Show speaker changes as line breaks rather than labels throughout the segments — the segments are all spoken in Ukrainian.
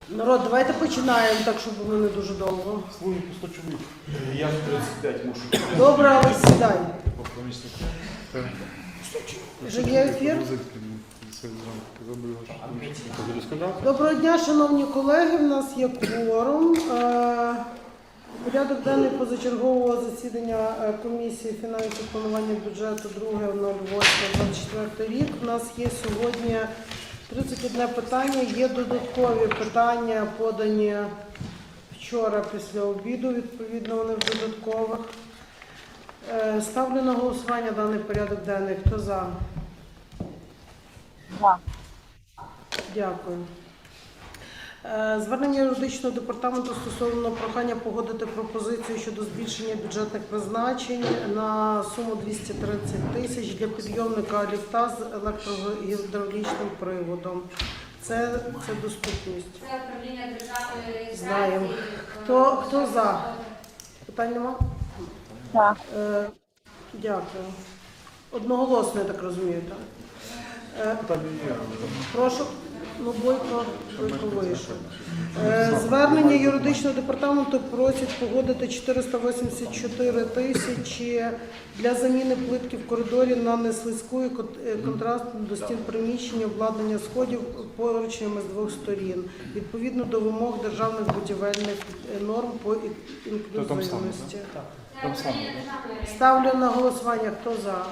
Народ, давайте починаємо, так, щоб було не дуже довго.
Слухай, по 100 чоловік. Я в 35 мушу.
Добре, але сідай. Вже є ефір? Доброго дня, шановні колеги, в нас є кворум. Порядок денний позачергового засідання комісії фінансів планування бюджету 2.08.24 рік. У нас є сьогодні 31 питання, є додаткові питання, подані вчора після обіду, відповідно вони в додаткових. Ставлю на голосування даний порядок денний. Хто за?
За.
Дякую. Звернення юридичного департаменту стосовно прохання погодити пропозицію щодо збільшення бюджетних призначень на суму 230 тисяч для підйомника ліфта з електрогідравлічним приводом. Це доступність.
Це управління державної реєстрації.
Знаємо. Хто за? Питань нема?
Так.
Дякую. Одноголосно, я так розумію, так? Прошу. Ну, Бойко вийшов. Звернення юридичного департаменту просять погодити 484 тисячі для заміни плитки в коридорі на неслизьку і контрастну до стін приміщення, обладнання сходів поручнями з двох сторін, відповідно до вимог державних будівельних норм по інклюзивності. Ставлю на голосування. Хто за?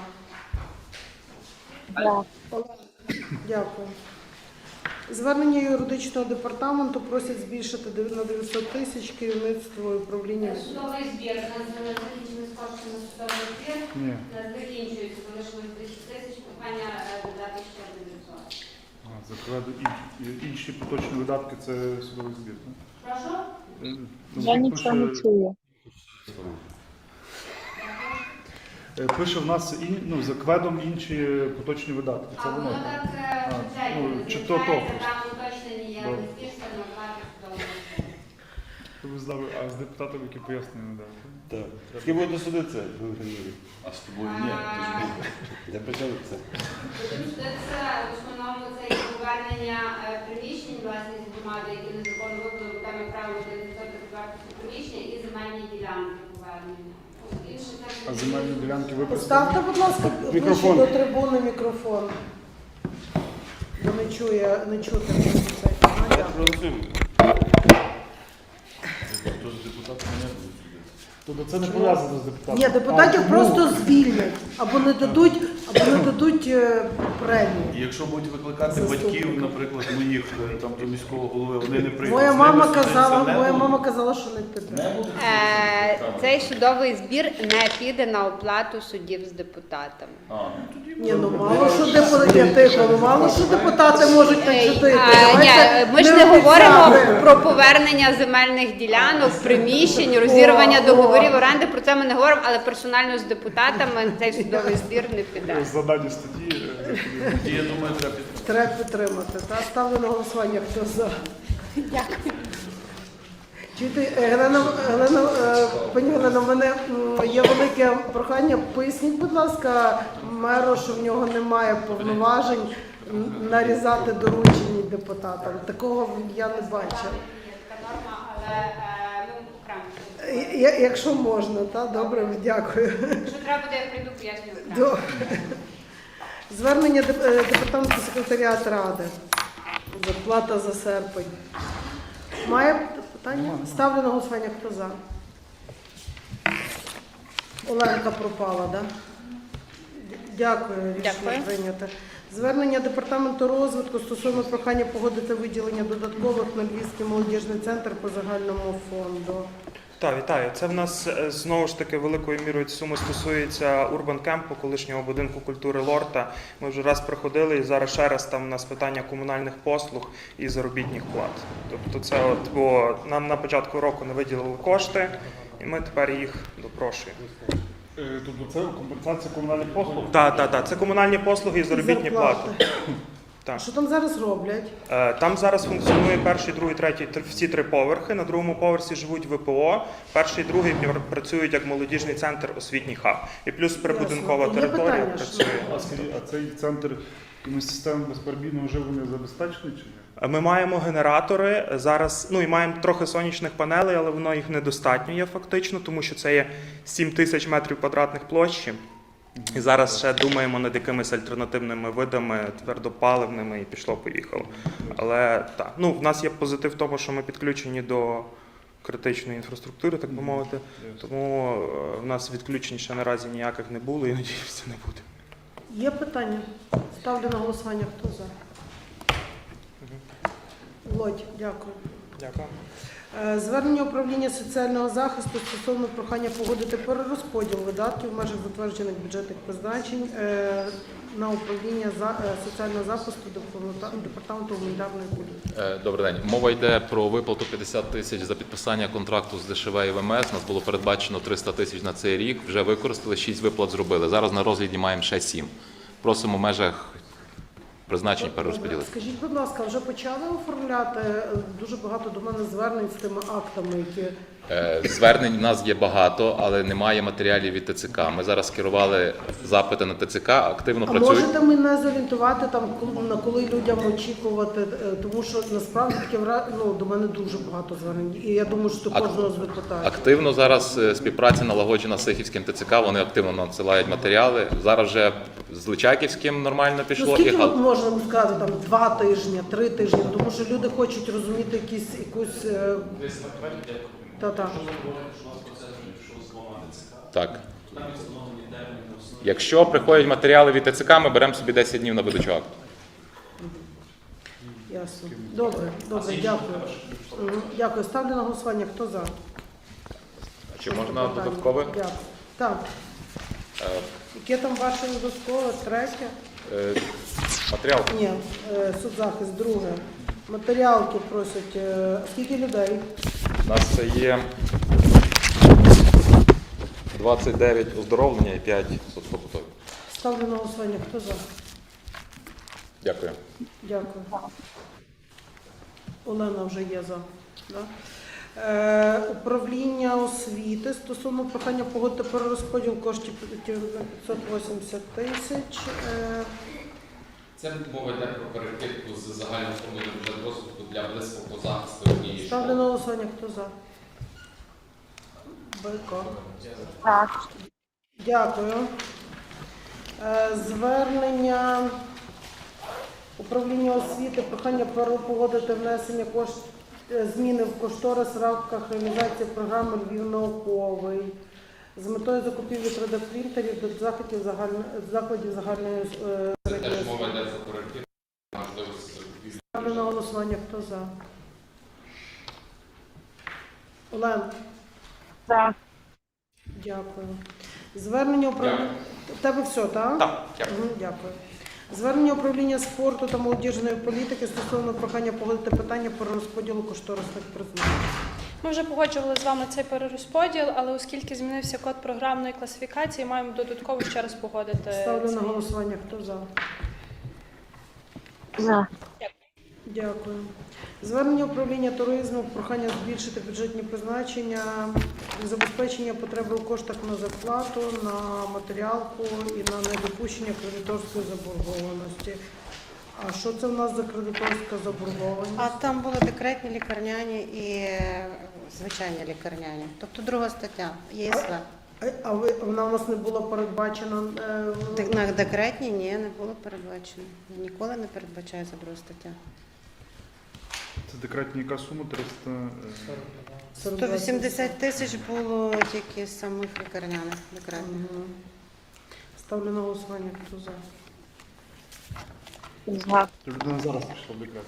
За.
Дякую. Звернення юридичного департаменту просять збільшити на 900 тисяч керівництво і управління.
Судовий збір. У нас закінчили кошти на судовий збір.
Ні.
У нас закінчується, залишилось 10 тисяч, прохання додати ще 900.
Закладу інші поточні видатки – це судовий збір.
Прошу?
Я нічого не чую.
Пише в нас за кведом інші поточні видатки. Це
А
воно.
воно так
чи то
визначається, там уточнені є
Добре.
збільшення на оплату судового збору.
Ви знали, а з депутатом, які пояснення не дали.
Так. З ким буде судитися? А з тобою ні. Я почав це.
Це в основному це є повернення приміщень власність громади, які незаконно вибули руками правил 900 вартості приміщення і земельні ділянки повернення.
А земельні ділянки ви
Поставте, будь ласка, ближче
Мікрофон.
до трибуни мікрофон. Бо не чути.
Голосуємо.
Тобто це не пов'язано з депутатом?
Ні, депутатів
А,
просто звільнять або не дадуть премію.
І якщо будуть викликати батьків, наприклад, моїх там до міського голови, вони не прийдуть.
Моя
З ними
мама
судитися
казала, що не піде.
Цей судовий збір не піде на оплату судів з депутатами.
Ні, мало що депутати можуть так чудити.
Ми ж не говоримо про повернення земельних ділянок, приміщень, розірвання договорів оренди. Про це ми не говоримо, але персонально з депутатами цей судовий збір не піде.
Задані статті.
Тоді, я думаю,
Треба підтримати. Ставлю на голосування, хто за.
Дякую.
Чуєте, пані Галина, в мене є велике прохання. Поясніть, будь ласка, меру, що в нього немає повноважень нарізати доручені депутатам. Такого я не бачила.
Є така норма, але ми окремо.
Якщо можна, так? Добре, дякую.
Якщо треба буде, я прийду, поясню окремо.
Добре. Звернення департаменту секретаріату Ради. Зарплата за серпень. Має питання? Ставлю на голосування, хто за. Оленка пропала, так? Дякую, рішення прийнято. Звернення департаменту розвитку стосовно прохання погодити виділення додаткових на Львівський молодіжний центр по загальному фонду.
Так, вітаю. Це в нас знову ж таки великою мірою сума стосується Урбан Кемпу, колишнього будинку культури Лорта. Ми вже раз приходили і зараз ще раз там у нас питання комунальних послуг і заробітних плат. Тобто це бо нам на початку року не виділили кошти, і ми тепер їх допрошуємо.
Тобто це компенсація комунальних послуг?
Так, це комунальні послуги і заробітні плати. Так.
Що там зараз роблять?
Там зараз функціонує перший, другий, третій, всі три поверхи. На другому поверсі живуть ВПО, перший і другий працюють як молодіжний центр, освітній хаб. І плюс прибудинкова
Ясно. Є
територія
питання,
працює.
А цей центр Якимось системами безперебійного живлення забезпечені чи ні?
Ми маємо генератори зараз, ну і маємо трохи сонячних панелей, але воно їх недостатньо є фактично, тому що це є 7 тисяч метрів квадратних площі. І зараз ще думаємо над якимись альтернативними видами, твердопаливними, і пішло-поїхало. Але так, ну в нас є позитив в тому, що ми підключені до критичної інфраструктури, так би мовити. Тому в нас відключень ще наразі ніяких не було і надіюся, не буде.
Є питання? Ставлю на голосування. Хто за? Володь, дякую.
Дякую.
Звернення управління соціального захисту стосовно прохання погодити перерозподіл видатків в межах затверджених бюджетних призначень на управління соціального захисту департаменту гуманітарної політики.
Добрий день. Мова йде про виплату 50 тисяч за підписання контракту з ДШВ і ВМС. У нас було передбачено 300 тисяч на цей рік. Вже використали, 6 виплат зробили. Зараз на розгляді маємо ще 7. Просимо в межах призначень перерозподілити.
Скажіть, будь ласка, вже почали оформляти? Дуже багато до мене звернень з тими актами, які...
Звернень в нас є багато, але немає матеріалів від ТЦК. Ми зараз скерували запити на ТЦК, активно
А
працюють.
можете мене зорієнтувати, там, на коли людям очікувати? Тому що насправді таке, ну, до мене дуже багато звернень. І я думаю, що до кожного з депутатів.
Активно зараз співпраця налагоджена з Сихівським ТЦК, вони активно надсилають матеріали. Зараз вже з Личаківським нормально пішло.
Ну, скільки можна сказати, там, 2 тижні, 3 тижні? Тому що люди хочуть розуміти якусь... Та-та.
Так. Якщо приходять матеріали від ТЦК, ми беремо собі 10 днів на видачу акту.
Ясно. Добре, дякую. Дякую. Ставлю на голосування. Хто за?
Чи можна додаткове?
Дякую. Так. Яке там ваше додаткове? Третє?
Матеріал?
Ні. Соцзахист. Друге. Матеріалки просять. Скільки людей?
У нас це є 29 оздоровлення і 5 соцпобутові.
Ставлю на голосування. Хто за?
Дякую.
Дякую. Олена вже є за. Да? Управління освіти стосовно прохання погодити перерозподіл коштів 580 тисяч.
Це мова йде про перекидку з загального фонду на бюджет розвитку для близького захисту однієї
Ставлю
школи.
на голосування. Хто за? Бойко.
Так.
Дякую. Звернення управління освіти, прохання погодити внесення зміни в кошторис в рамках реалізації програми «Львів науковий» з метою закупівлі 3D-принтерів до закладів загальної
Це теж мова йде про перекидку, можливості закупівлі.
Ставлю на голосування. Хто за? Олен.
Так.
Дякую. Звернення управління... У тебе все, так?
Так, дякую.
Дякую. Звернення управління спорту та молодіжної політики стосовно прохання погодити питання про розподілу кошторисних призначень.
Ми вже погоджували з вами цей перерозподіл, але оскільки змінився код програмної класифікації, маємо додатково ще раз погодити.
Ставлю на
цей.
голосування. Хто за?
За.
Дякую. Звернення управління туризму, прохання збільшити бюджетні призначення, забезпечення потреби у коштах на зарплату, на матеріалку і на недопущення кредиторської заборгованості. А що це в нас за кредиторська заборгованість?
А там були декретні лікарняні і звичайні лікарняні. Тобто друга стаття ЄСВ.
А вона у нас не була передбачена?
На декретні ні, не було передбачено. Ніколи не передбачається друга стаття.
Це декретна яка сума? 300...
180 тисяч було тільки з самих лікарняних декретних.
Ставлю на голосування. Хто за?
За.
Людина зараз пішла в декрет.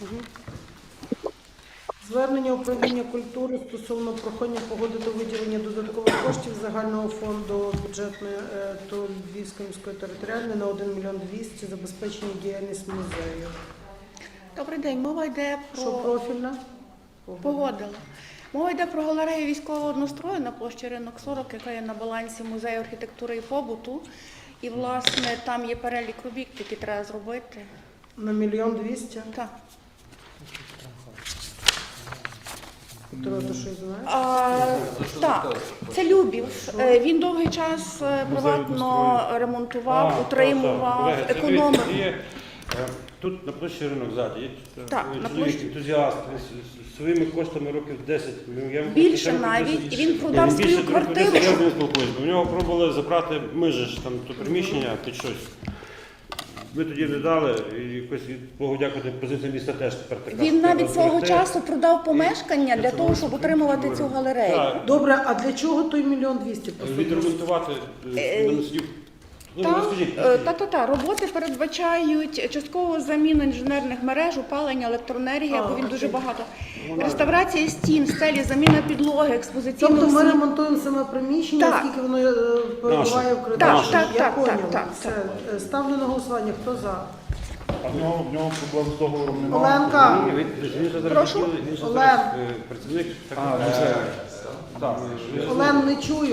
Звернення управління культури стосовно прохання погодити виділення додаткових коштів з загального фонду бюджетної то Львівської міської територіальної на 1 мільйон 200 забезпечення діяльність музею.
Добрий день. Мова йде
Що
про
профільна?
погодила. Мова йде про галерею військового однострою на площі Ринок 40, яка є на балансі музею архітектури і побуту. І, власне, там є перелік робіт, які треба зробити.
На 1 мільйон 200?
Так.
Петро, ти щось знаєш?
Так, це Любів. Він довгий час приватно ремонтував, утримував, економив.
Тут на площі ринок ззаді є
Так, на
чоловік
площі.
ентузіаст, своїми коштами років 10.
Більше навіть, і він продав свою квартиру.
У нього пробували забрати, ми ж там то приміщення під щось. Ми тоді не дали, і якось, Богу дякувати, позиція міста теж тепер така.
Він навіть свого
зберегти.
часу продав помешкання для того, щоб утримувати цю галерею.
Так,
Добре, а для чого той 1 200 000 посадили?
відремонтувати, не сидів. Ну, розкажіть.
Та. Роботи передбачають часткову заміну інженерних мереж, опалення, електроенергія, бо він дуже багато. Реставрація стін, стелі, заміна підлоги, експозиційного
Тобто ми
світла.
ремонтуємо саме приміщення,
Так.
скільки воно перебуває в кредиті.
Так,
Я
так,
поняла.
так.
Все. Ставлю на голосування. Хто за?
А в нього проблем з договором немає.
Оленка,
Він же зараз
Прошу?
він же
Олег.
зараз працівник.
Олен, не чую.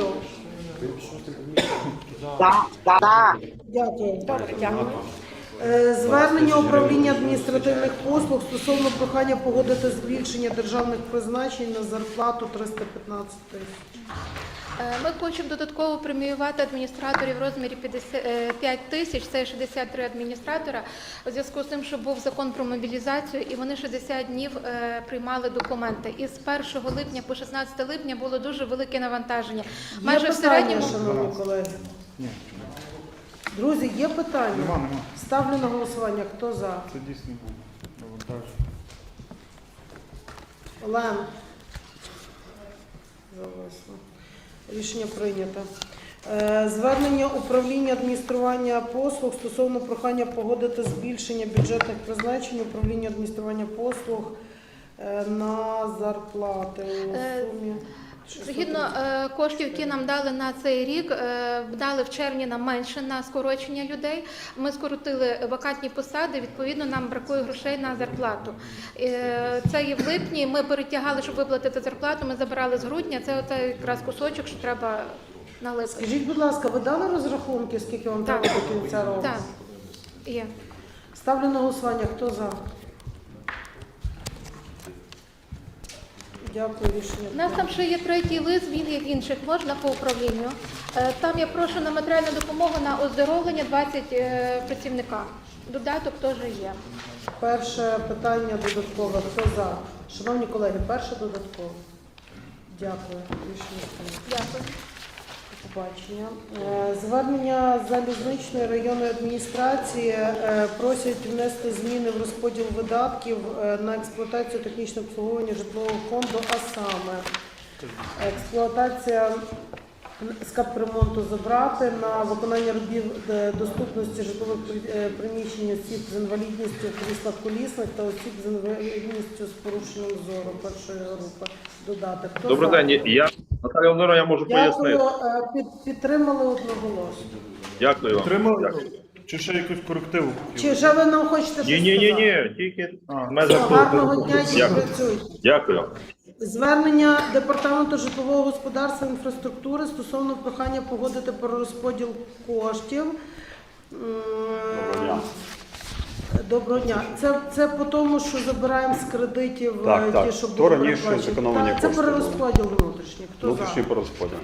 Дякую.
Добре, дякую.
Звернення управління адміністративних послуг стосовно прохання погодити збільшення державних призначень на зарплату 315 000.
Ми хочемо додатково преміювати адміністраторів в розмірі 5 тисяч, це 63 адміністратора, у зв'язку з тим, що був закон про мобілізацію, і вони 60 днів приймали документи. І з 1 липня по 16 липня було дуже велике навантаження.
Є питання, шановні колеги? Друзі, є питання?
Нема.
Ставлю на голосування. Хто за?
Це дійсно був навантаж.
Олен. Зависло. Рішення прийнято. Звернення управління адміністрування послуг стосовно прохання погодити збільшення бюджетних призначень управління адміністрування послуг на зарплати у сумі.
Згідно коштів, які нам дали на цей рік, дали в червні нам менше на скорочення людей. Ми скоротили вакантні посади, відповідно, нам бракує грошей на зарплату. Це є в липні, ми перетягали, щоб виплатити зарплату, ми забирали з грудня, це оцей якраз кусочок, що треба на липень.
Скажіть, будь ласка, ви дали розрахунки, скільки вам треба до кінця року?
Так, є.
Ставлю на голосування. Хто за? Дякую, рішення.
У нас там ще є третій лист, він є в інших, можна по управлінню. Там я прошу на матеріальну допомогу на оздоровлення 20 працівника. Додаток теж є.
Перше питання додаткове. Хто за? Шановні колеги, перше додаткове. Дякую. Рішення прийнято.
Дякую.
До побачення. Звернення залізничної районної адміністрації просять внести зміни в розподіл видатків на експлуатацію технічного обслуговування житлового фонду, а саме експлуатація з капремонту забрати, на виконання робіт доступності житлових приміщень осіб з інвалідністю в кріслах колісних та осіб з інвалідністю з порушенням зору першої групи додати. Хто
Добрий
за?
день, я Наталія Володимирівна, я можу
Дякую.
пояснити.
Підтримали одноголосно.
Дякую вам.
Підтримали?
Дякую.
Чи ще якусь корективу?
Чи ще ви нам хочете щось сказати?
Ні, тільки в межах
Гарного дня і
Дякую.
працюйте.
Дякую.
Звернення Департаменту житлового господарства і інфраструктури стосовно прохання погодити перерозподіл коштів. Доброго дня. Це по тому, що забираємо з кредитів
Так.
ті, що
То
були
раніше
передбачені.
зекономлені
Так, це
кошти.
перерозподіл внутрішній. Хто
Внутрішній
за?
порозподіл.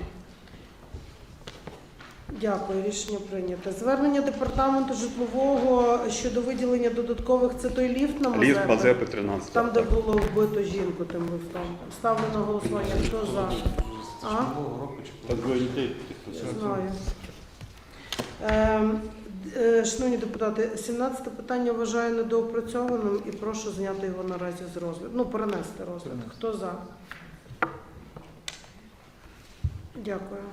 Дякую, рішення прийнято. Звернення Департаменту житлового щодо виділення додаткових, це той ліфт на Мазепи?
Ліфт Мазепи 13.
Там, де було вбито жінку тим лифтом. Ставлю на голосування. Хто за? А?
Та двоє дітей.
Знаю. Шановні депутати, 17 питання вважаю недоопрацьованим і прошу зняти його наразі з розгляду. Ну, перенести розгляд. Хто за? Дякую.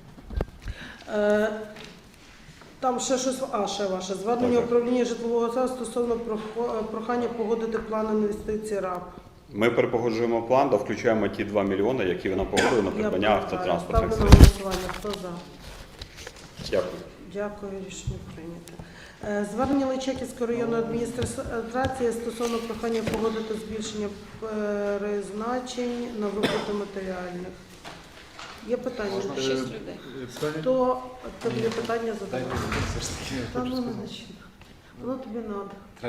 Там ще щось, ще ваше. Звернення управління житлового господарства стосовно прохання погодити план інвестицій РАП.
Ми перепогоджуємо план, да включаємо ті 2 мільйони, які ви нам погодили на придбання автотранспортних
Ставлю на
средств.
голосування. Хто за?
Дякую.
Дякую, рішення прийнято. Звернення Личаківської районної адміністрації стосовно прохання погодити збільшення призначень на виплату матеріальних. Є питання?
6 людей.
Хто тобі питання задає? Та ну не начинай. Воно тобі треба.
Треба.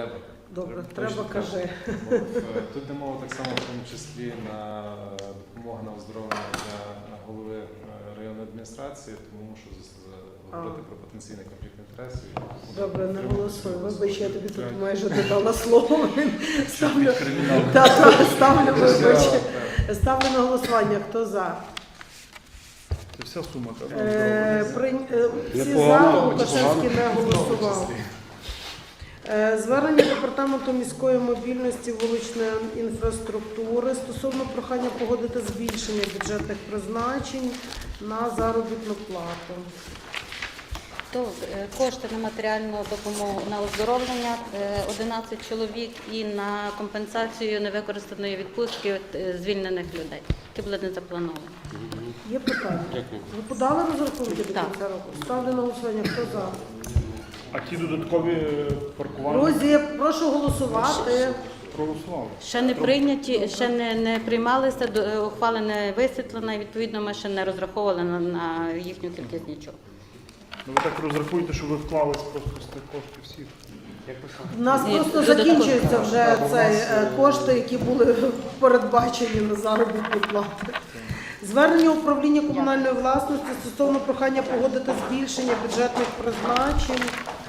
Добре, треба кажи.
Тут йде мова так само, в тому числі на допомогу на оздоровлення для голови районної адміністрації, тому мушу говорити про потенційний конфлікт інтересів.
Добре, не голосуй. Вибач, я тобі тут майже додала слово. Ставлю, вибач. Ставлю на голосування. Хто за?
Це вся сума.
Всі за, Лукашевський не голосував. Звернення Департаменту міської мобільності, вуличної інфраструктури стосовно прохання погодити збільшення бюджетних призначень на заробітну плату.
То кошти на матеріальну допомогу на оздоровлення 11 чоловік і на компенсацію невикористаної відпустки звільнених людей, які були не заплановані.
Є питання? Ви подали розрахунки до кінця року? Ставлю на голосування. Хто за?
А ті додаткові паркування?
Друзі, прошу голосувати.
Проголосували.
Ще не прийняті, ще не приймалися, ухвала не висвітлена, і відповідно ми ще не розраховували на їхню кількість нічого.
Ну, ви так розрахуєте, що ви вклались просто з тих коштів всіх.
У нас просто закінчуються вже кошти, які були передбачені на заробітні плати. Звернення управління комунальної власності стосовно прохання погодити збільшення бюджетних призначень.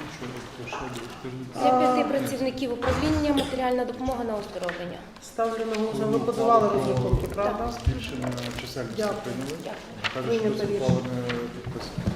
Для 5 працівників управління матеріальна допомога на оздоровлення.
Ставлю на голосування. Ви подавали розрахунки, правда?
Збільшення чисельності прийняли. Кажуть, що це ухвали не підписано.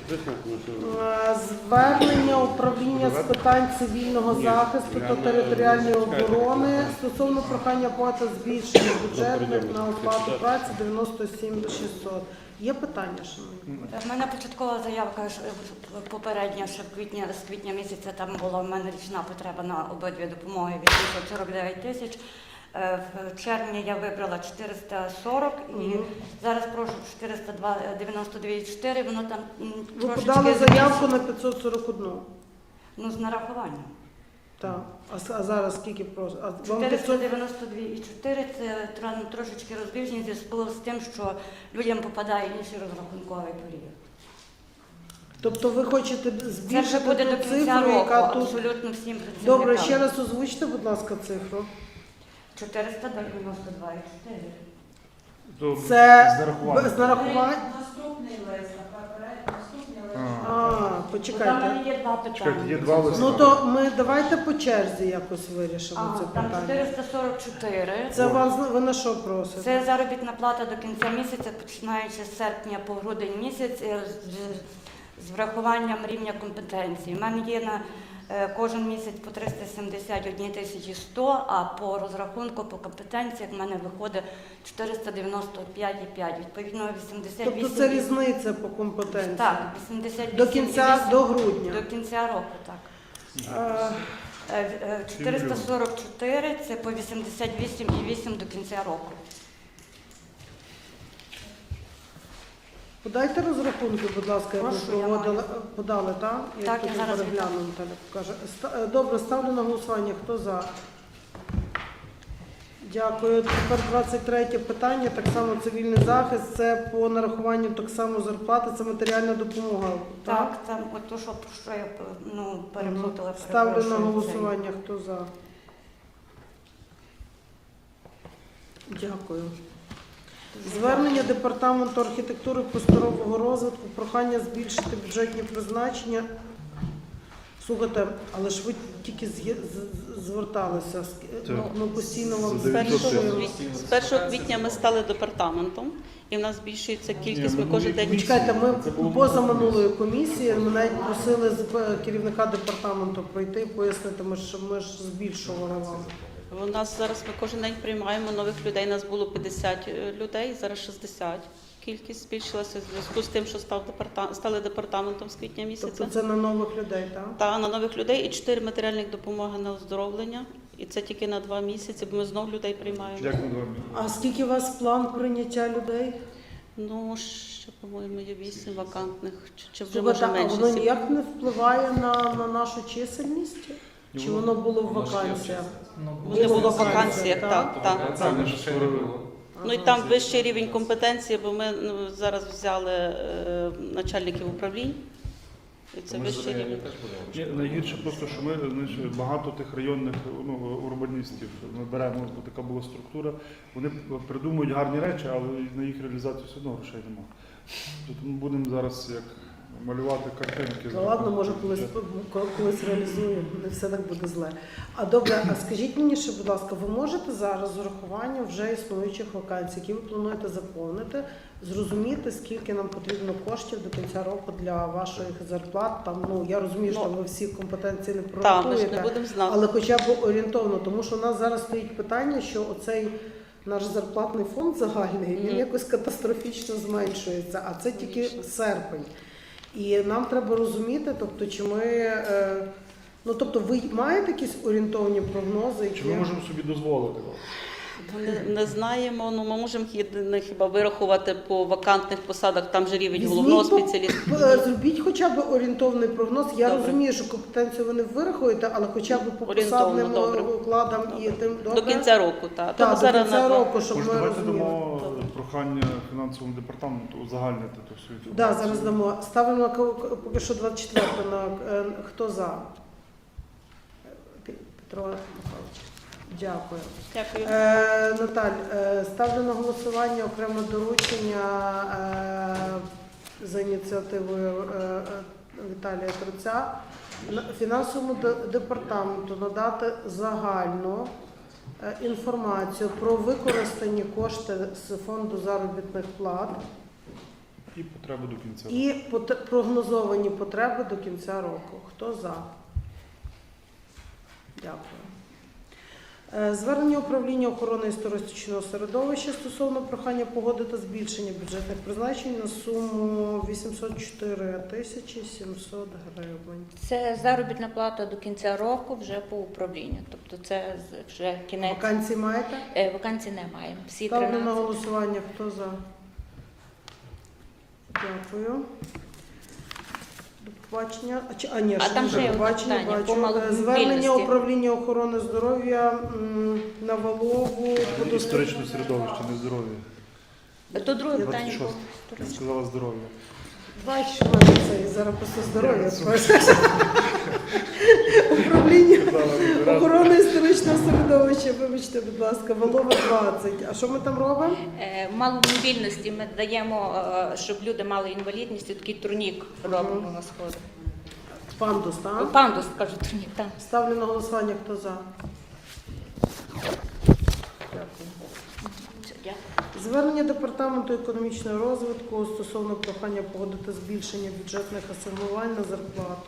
Звернення управління з питань цивільного захисту та територіальної оборони стосовно прохання плати збільшення бюджетних на оплату праці 97 600. Є питання, шановні?
В мене початкова заявка попередня, ще з квітня місяця там була в мене річна потреба на обидві допомоги від 49 тисяч. В червні я вибрала 440 і зараз прошу 492,4, воно там
Ви
трошечки
подали заявку на 541.
Ну, з нарахуванням.
Так. А зараз скільки просить?
492,4 це трошечки розбіжність в зв'язку з тим, що людям попадає інший розрахунковий період.
Тобто ви хочете збільшити
Це вже буде до
ту
кінця
цифру,
року,
яка тут...
абсолютно всім працівникам.
Добре, ще раз озвучте, будь ласка, цифру.
492,4.
Це
з нарахуванням.
Наступний лист,
Там
почекайте.
є два питання.
Чекайте, є два листа.
Ну то ми давайте по черзі якось вирішимо це
Там
питання.
444.
Це ви на що просите?
Це заробітна плата до кінця місяця, починаючи з серпня по грудень місяць, з врахуванням рівня компетенції. У мене є на кожен місяць по 371 100, а по розрахунку, по компетенціях в мене виходить 495,5. Відповідно, 88...
Тобто це різниця по компетенції?
Так, 88,8.
До грудня?
До кінця року, так. 444 – це по 88,8 до кінця року.
Подайте розрахунки, будь ласка, як ви проводили. Подали, так?
Так, я зараз
перегляну, Наталя покаже. Добре, ставлю на голосування. Хто за? Дякую. Тепер 23 питання, так само цивільний захист. Це по нарахуванню так само зарплати, це матеріальна допомога.
Так, там от то, що я переплутала.
Ставлю на голосування. Хто за? Дякую. Звернення Департаменту архітектури і просторового розвитку, прохання збільшити бюджетні призначення. Слухайте, але ж ви тільки зверталися, ми постійно вам збільшуємо.
З 1 квітня ми стали департаментом, і в нас збільшується кількість, ми кожен день...
Чекайте, ми поза минулої комісії, ми навіть просили керівника департаменту прийти і пояснити, ми ж збільшували вам.
У нас зараз ми кожен день приймаємо нових людей, нас було 50 людей, зараз 60. Кількість збільшилася в зв'язку з тим, що стали департаментом з квітня місяця.
Тобто це на нових людей, так?
Так, на нових людей і 4 матеріальних допомоги на оздоровлення. І це тільки на 2 місяці, бо ми знов людей приймаємо.
Як на 2 місяці?
А скільки у вас план прийняття людей?
Ну, ще, по-моєму, є 8 вакантних, чи вже
Слухайте,
може менше.
а воно ніяк не впливає на нашу чисельність? Чи воно було в вакансіях?
Вони було в вакансіях, так. Ну і там вищий рівень компетенції, бо ми зараз взяли начальників управлінь Це
Ми
вищий
за районі
рівень.
теж будемо.
Ні, найгірше просто, що ми знаєш, багато тих районних урбаністів ми беремо, бо така була структура. Вони придумують гарні речі, але на їх реалізацію все одно грошей немає. Тобто ми будемо зараз як малювати картинки.
Ну ладно, може колись реалізуємо, не все так буде зле. А добре, а скажіть мені ще, будь ласка, ви можете зараз з урахуванням вже існуючих вакансій, які ви плануєте заповнити, зрозуміти, скільки нам потрібно коштів до кінця року для ваших зарплат? Там, ну, я розумію, що ви всі компетенції не
Так, ми ж не
прорахуєте,
будемо знати.
але хоча б орієнтовно, тому що у нас зараз стоїть питання, що оцей наш зарплатний фонд загальний, він якось катастрофічно зменшується, а це тільки серпень. І нам треба розуміти, тобто, чи ми, ну тобто, ви маєте якісь орієнтовні прогнози, які...
Чи ми можемо собі дозволити?
Не знаємо, ну ми можемо хіба вирахувати по вакантних посадах, там же рівень головного спеціаліста.
Зробіть хоча б орієнтовний прогноз. Я
Добре.
розумію, що компетенцію ви не вирахуєте, але хоча б по посадним укладам і тим
До кінця року, так.
Так, до кінця року, щоб
Може,
ми
давайте
розуміли.
дамо прохання фінансовому департаменту узагальнити ту всю
Так,
інформацію.
зараз дамо. Ставимо на поки що 24-го на хто за? Петро Михайлович. Дякую.
Дякую.
Наталь, ставлю на голосування окреме доручення за ініціативою Віталія Труця фінансовому департаменту надати загальну інформацію про використані кошти з фонду заробітних плат
І потреби до кінця року.
і прогнозовані потреби до кінця року. Хто за? Дякую. Звернення управління охорони історичного середовища стосовно прохання погодити збільшення бюджетних призначень на суму 804 тисячі 700 гривень.
Це заробітна плата до кінця року вже по управлінню. Тобто це вже кінець.
Вакансій маєте?
Вакансій не маємо. Всі
Ставлю
13.
на голосування. Хто за? Дякую. До побачення.
А там ще є
побачення,
питання по
бачу.
маломобільності.
Звернення управління охорони здоров'я на Валову.
Історичне середовище, не здоров'я.
То друге питання
26.
було.
Я сказала здоров'я.
Бачиш, в мене це зараз просто здоров'я. Управління охорони історичного середовища, вибачте, будь ласка, Валова 20. А що ми там робимо?
Маломобільності ми даємо, щоб люди мали інвалідність, такий турнік робимо на сходах.
Пандус, так?
Пандус, кажу, турнік, так.
Ставлю на голосування, хто за.
Дякую.
Звернення Департаменту економічного розвитку стосовно прохання погодити збільшення бюджетних асигнувань на зарплату.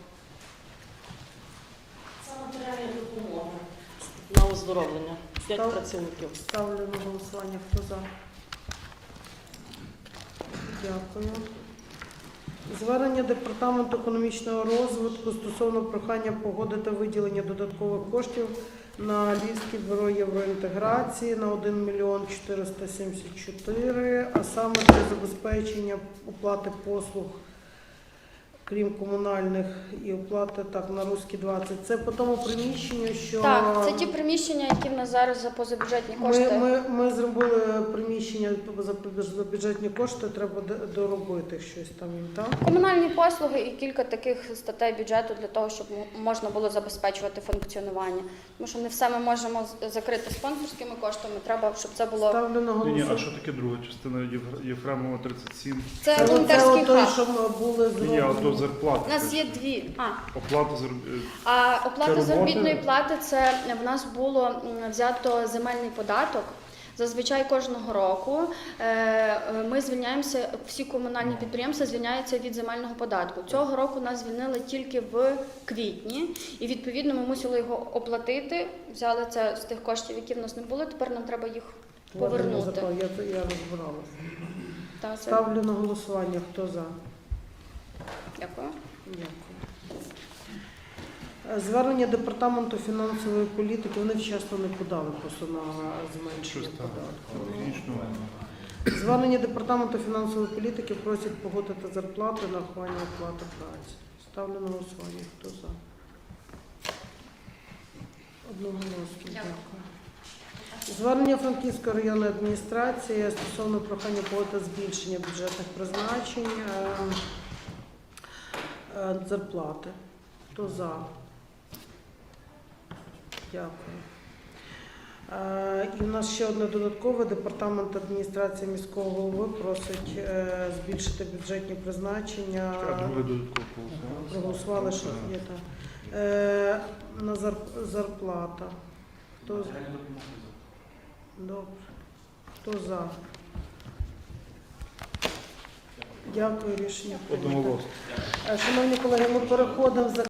Це матеріальна допомога на оздоровлення 5 працівників.
Ставлю на голосування, хто за. Дякую. Звернення Департаменту економічного розвитку стосовно прохання погодити виділення додаткових коштів на Львівське бюро євроінтеграції на 1 мільйон 474, а саме для забезпечення оплати послуг, крім комунальних, і оплати так на Руські 20. Це по тому приміщенню, що...
Так, це ті приміщення, які в нас зараз за позабюджетні кошти.
Ми зробили приміщення за бюджетні кошти, треба доробити щось там їм, так?
Комунальні послуги і кілька таких статей бюджету для того, щоб можна було забезпечувати функціонування. Тому що не все ми можемо закрити спонсорськими коштами, треба, щоб це було...
Ставлю на
Ні,
голосування.
а що таке друга частина Єфремова 37?
Це волонтерський
той,
хаб.
що ми були
Ні, а
зроблені.
то зарплата.
У нас є дві.
Оплата
А оплата
Це
заробітної
робота?
плати це в нас було взято земельний податок. Зазвичай кожного року ми звільняємося, всі комунальні підприємства звільняються від земельного податку. Цього року нас звільнили тільки в квітні, і відповідно ми мусили його оплатити. Взяли це з тих коштів, які в нас не було. Тепер нам треба їх повернути.
Я розбиралася.
Та, це-
Ставлю на голосування. Хто за?
Дякую.
Дякую. Звернення Департаменту фінансової політики, вони вчасно не подали просто на зменшення податку. Звернення Департаменту фінансової політики просять погодити зарплати на рахування оплати праці. Ставлю на голосування. Хто за? Одноголосно. Дякую. Звернення Франківської районної адміністрації стосовно прохання погодити збільшення бюджетних призначень. зарплати. Хто за? Дякую. І в нас ще одне додаткове. Департамент адміністрації міського голови просить збільшити бюджетні призначення.
А друге додатково голосували?
Проголосували, що є так. На зарплата. Хто? Добре. Хто за? Дякую, рішення прийнято.
Одноголосно.
Шановні колеги, ми переходимо за